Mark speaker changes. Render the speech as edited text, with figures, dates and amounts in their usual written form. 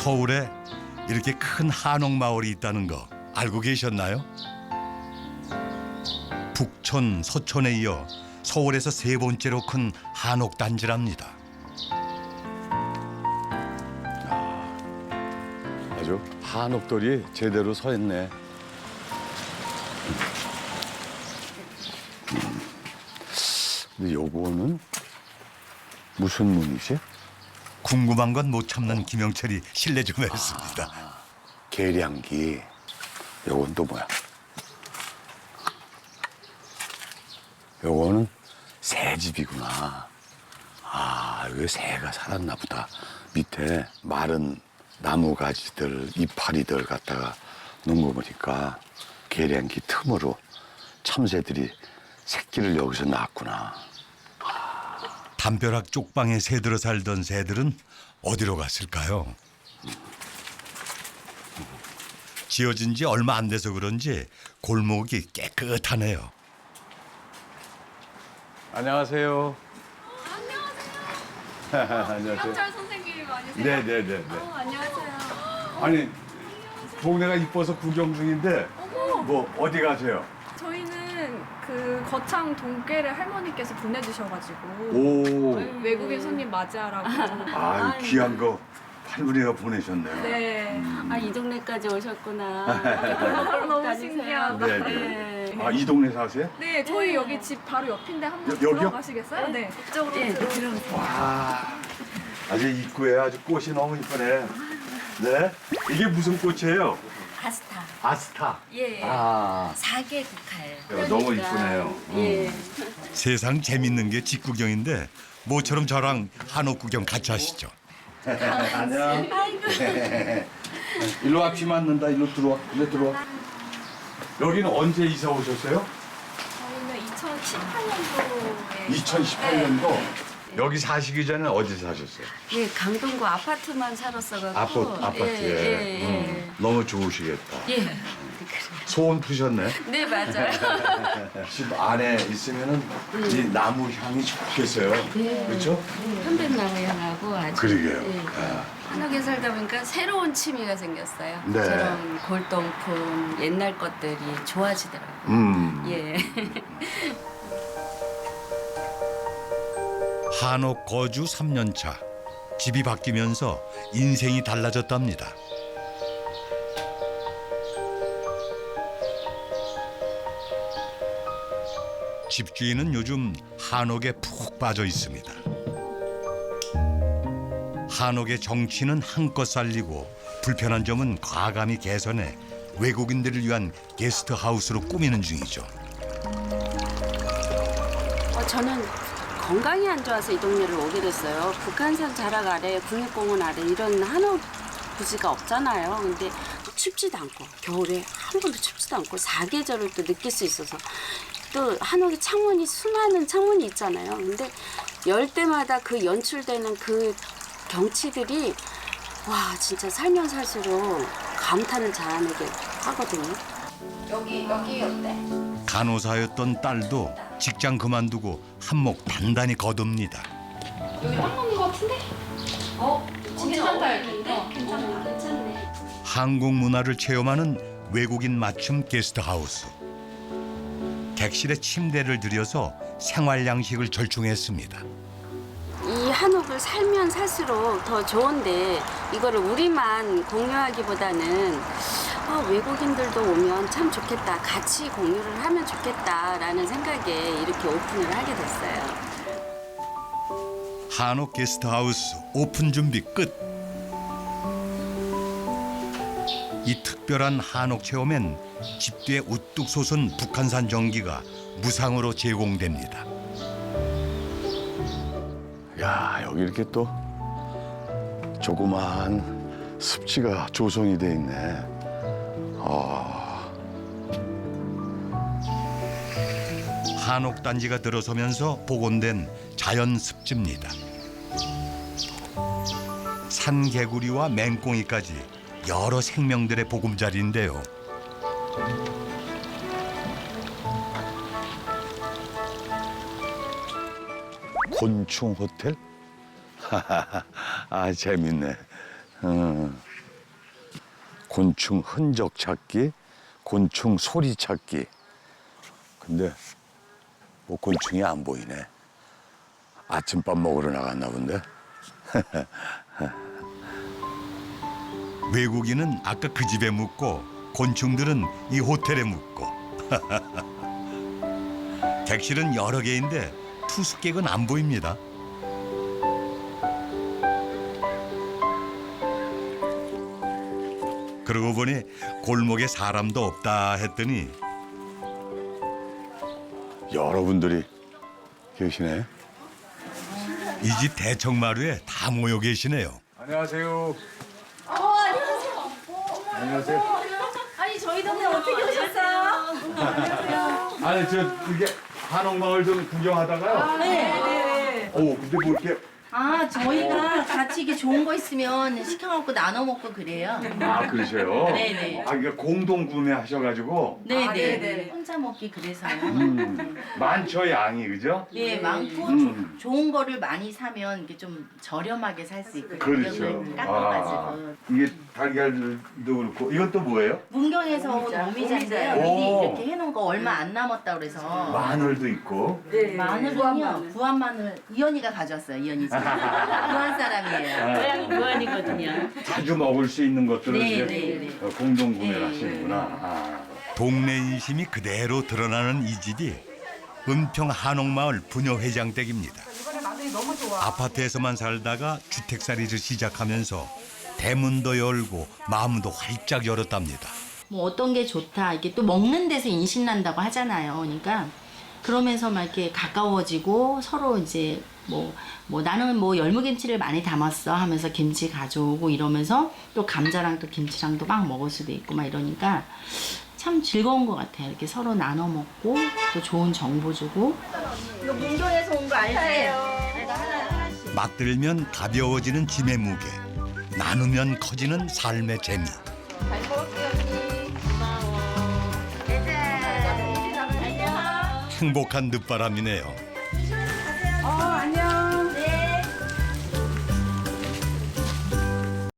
Speaker 1: 서울에 이렇게 큰 한옥 마을이 있다는 거 알고 계셨나요? 북촌, 서촌에 이어 서울에서 세 번째로 큰 한옥 단지랍니다.
Speaker 2: 아주 한옥돌이 제대로 서 있네. 근데 요거는 무슨 문이지?
Speaker 1: 궁금한 건 못 참는 김영철이 실례 좀 했습니다.
Speaker 2: 계량기. 요건 또 뭐야? 요거는 새집이구나. 아, 여기 새가 살았나 보다. 밑에 마른 나무 가지들, 이파리들 갖다가 놓은 거 보니까 계량기 틈으로 참새들이 새끼를 여기서 낳았구나.
Speaker 1: 담벼락 쪽방에 새들어 살던 새들은 어디로 갔을까요? 지어진 지 얼마 안 돼서 그런지 골목이 깨끗하네요.
Speaker 2: 안녕하세요. 안녕하세요.
Speaker 3: 김영철 선생님 아니세요?
Speaker 2: 네네네.
Speaker 3: 안녕하세요.
Speaker 2: 아니, 동네가 이뻐서 구경 중인데 뭐 어디 가세요?
Speaker 3: 저희는 그 거창 동계를 할머니께서 보내주셔가지고
Speaker 2: 오,
Speaker 3: 외국인 손님 맞이하라고.
Speaker 2: 아, 귀한 거 할머니가 보내셨네요.
Speaker 3: 네.
Speaker 4: 아, 이 동네까지 오셨구나.
Speaker 3: 너무 신기하다.
Speaker 2: 네네. 아, 이 동네 사세요?
Speaker 3: 네, 저희 여기 집 바로 옆인데 한번
Speaker 2: 여기요?
Speaker 3: 들어가시겠어요? 네. 이쪽으로
Speaker 4: 예,
Speaker 3: 들어오세요.
Speaker 4: 들어오세요.
Speaker 2: 와, 아주 입구에 아주 꽃이 너무 이쁘네. 네? 이게 무슨 꽃이에요?
Speaker 4: 아스타.
Speaker 2: 아스타.
Speaker 4: 예.
Speaker 2: 아,
Speaker 4: 4개 국화예요.
Speaker 2: 너무 이쁘네요.
Speaker 4: 예.
Speaker 1: 세상 재밌는 게 집구경인데 모처럼 저랑 한옥 구경 같이 하시죠.
Speaker 2: 안녕. 일로 와, 비 맞는다. 일로 들어와. 일로 들어와. 여기는 언제 이사 오셨어요?
Speaker 3: 저희는 2018년도에
Speaker 2: 2018년도. 여기 사시기 전에 어디 사셨어요?
Speaker 4: 예, 강동구 아파트만 살았어가지고.
Speaker 2: 아파트에.
Speaker 4: 예, 예.
Speaker 2: 너무 좋으시겠다.
Speaker 4: 예.
Speaker 2: 소원 푸셨네.
Speaker 4: 네, 맞아요.
Speaker 2: 집 안에 있으면은 이 나무 향이 좋겠어요. 그렇죠?
Speaker 4: 편백나무 향하고 아주.
Speaker 2: 그러게요.
Speaker 4: 예. 한옥에 살다 보니까 새로운 취미가 생겼어요.
Speaker 2: 네.
Speaker 4: 저런 골동품, 옛날 것들이 좋아지더라고요. 예.
Speaker 1: 한옥 거주 3년 차. 집이 바뀌면서 인생이 달라졌답니다. 집주인은 요즘 한옥에 푹 빠져 있습니다. 한옥의 정취는 한껏 살리고 불편한 점은 과감히 개선해 외국인들을 위한 게스트하우스로 꾸미는 중이죠.
Speaker 4: 저는 건강이 안 좋아서 이 동네를 오게 됐어요. 북한산 자락 아래, 국립공원 아래 이런 한옥 부지가 없잖아요. 근데 춥지도 않고 겨울에 한 번도 춥지도 않고 사계절을 또 느낄 수 있어서 또 한옥에 창문이 수많은 창문이 있잖아요. 근데 열 때마다 그 연출되는 그 경치들이 와 진짜 살면 살수록 감탄을 자아내게 하거든요. 여기 어때?
Speaker 1: 간호사였던 딸도 직장 그만두고 한몫 단단히 거둡니다.
Speaker 3: 여기 딱 맞는 것 같은데? 괜찮다 여기.
Speaker 4: 괜찮다. 괜찮네.
Speaker 1: 한국 문화를 체험하는 외국인 맞춤 게스트하우스. 객실에 침대를 들여서 생활 양식을 절충했습니다.
Speaker 4: 이 한옥을 살면 살수록 더 좋은데 이거를 우리만 공유하기보다는 외국인들도 오면 참 좋겠다. 같이 공유를 하면 좋겠다라는 생각에 이렇게 오픈을 하게 됐어요.
Speaker 1: 한옥 게스트하우스 오픈 준비 끝. 이 특별한 한옥 체험엔 집 뒤에 우뚝 솟은 북한산 전기가 무상으로 제공됩니다.
Speaker 2: 야, 여기 이렇게 또 조그마한 습지가 조성이 돼 있네.
Speaker 1: 한옥 단지가 들어서면서 복원된 자연 습지입니다. 산개구리와 맹꽁이까지 여러 생명들의 보금자리인데요.
Speaker 2: 곤충 호텔? 아, 재밌네. 곤충 흔적 찾기, 곤충 소리 찾기. 근데 뭐 곤충이 안 보이네. 아침밥 먹으러 나갔나 본데.
Speaker 1: 외국인은 아까 그 집에 묵고 곤충들은 이 호텔에 묵고 객실은 여러 개인데 투숙객은 안 보입니다. 그러고 보니 골목에 사람도 없다 했더니
Speaker 2: 여러분들이 계시네.
Speaker 1: 이 집 대청마루에 다 모여 계시네요.
Speaker 2: 안녕하세요.
Speaker 3: 안녕하세요.
Speaker 2: 안녕하세요.
Speaker 3: 아니 저희 동네 어떻게 오셨어요?
Speaker 2: 아니 저 이게 한옥마을 좀 구경하다가요.
Speaker 3: 네.
Speaker 2: 오 근데 뭐 이렇게
Speaker 5: 아, 저희가 같이 이게 좋은 거 있으면 시켜먹고 나눠 먹고 그래요.
Speaker 2: 아 그러세요?
Speaker 5: 네네.
Speaker 2: 아 이게 공동 구매하셔가지고
Speaker 5: 네네.
Speaker 3: 네네.
Speaker 5: 혼자 먹기 그래서요.
Speaker 2: 많죠 양이 그죠?
Speaker 5: 예, 많고 좋은 거를 많이 사면 이게 좀 저렴하게 살 수 있고
Speaker 2: 그렇죠.
Speaker 5: 가격을 깎아가지고.
Speaker 2: 이게 달걀도 그렇고 이건 또 뭐예요?
Speaker 5: 문경에서 온 어미자인데요.
Speaker 2: 오.
Speaker 5: 미리 이렇게 해놓은 거 얼마 안 남았다 그래서.
Speaker 2: 마늘도 있고.
Speaker 5: 마늘은요, 부안 마늘 이현이가 가져왔어요. 이현이 집. 부안 사람이에요. 고향이 부안이거든요.
Speaker 2: 자주 먹을 수 있는 것들을
Speaker 5: 네,
Speaker 2: 이제
Speaker 5: 네, 네.
Speaker 2: 공동 구매를
Speaker 5: 네.
Speaker 2: 하시는구나. 아.
Speaker 1: 동네 인심이 그대로 드러나는 이 집이 은평 한옥마을 부녀회장 댁입니다. 아파트에서만 살다가 주택살이를 시작하면서 대문도 열고 마음도 활짝 열었답니다.
Speaker 5: 뭐 어떤 게 좋다 이게 또 먹는 데서 인신 난다고 하잖아요. 그러니까 그러면서 막 이렇게 가까워지고 서로 이제 뭐 나는 뭐 열무김치를 많이 담았어 하면서 김치 가져오고 이러면서 또 감자랑 또 김치랑도 막 먹을 수도 있고 막 이러니까 참 즐거운 것 같아요. 이렇게 서로 나눠 먹고 또 좋은 정보 주고. 이거 문경에서 온 거 알지?
Speaker 1: 맛들면 가벼워지는 짐의 무게, 나누면 커지는 삶의 재미. 행복한 늦바람이네요.